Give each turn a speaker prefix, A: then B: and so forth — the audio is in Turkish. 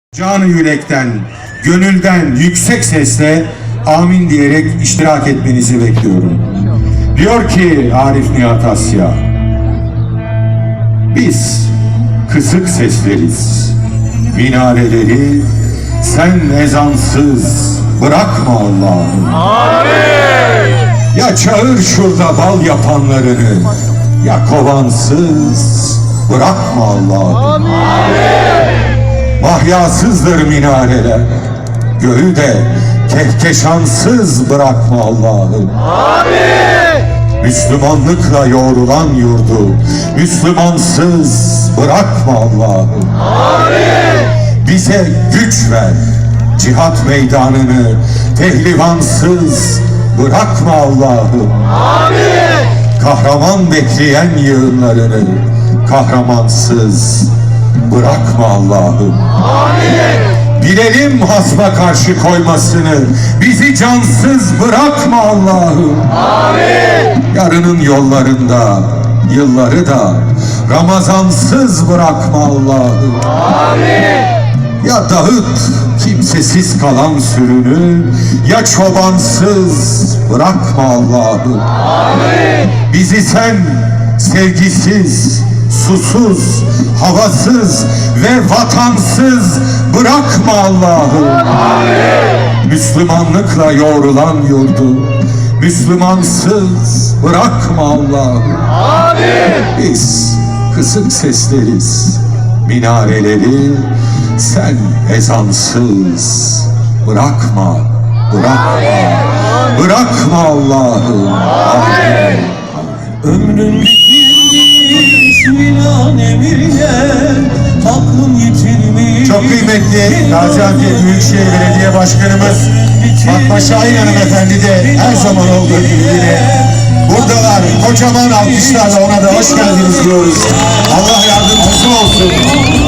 A: Canı yürekten, gönülden yüksek sesle amin diyerek iştirak etmenizi bekliyorum. Diyor ki Arif Nihat Asya, biz kısık sesleriz, minareleri sen ezansız bırakma Allah'ım.
B: Amin.
A: Ya çağır şurada bal yapanlarını, ya kovansız bırakma Allah'ım. Mahyasızdır minareler, göğü de kehkeşansız bırakma Allah'ım. Müslümanlıkla yoğrulan yurdu Müslümansız bırakma Allah'ım. Bize güç ver, cihat meydanını pehlivansız bırakma Allah'ım. Kahraman bekleyen yığınlarını kahramansız bırakma Allah'ım. Bilelim hasma karşı koymasını, bizi cansız bırakma Allah'ım. Yarının yollarında yılları da Ramazansız bırakma Allah'ım. Ya dağıt kimsesiz kalan sürünü, ya çobansız bırakma Allah'ım. Bizi sen sevgisiz, susuz, havasız ve vatansız bırakma Allah'ım. Müslümanlıkla yoğrulan yurdu Müslümansız bırakma Allah'ım. Biz kısık sesleriz, minareleri sen ezansız bırakma, bırakma Allah'ım. Amin.
B: Ömrün bitirmiş minanemine, aklım yitirmiş.
A: Çok kıymetli Gaziantep Büyükşehir Belediye Başkanımız Fatma Şahin Hanımefendi de her zaman olduğu gibi yine buradalar. Kocaman alkışlarla ona da hoş geldiniz diyoruz. Allah yardımcısı olsun.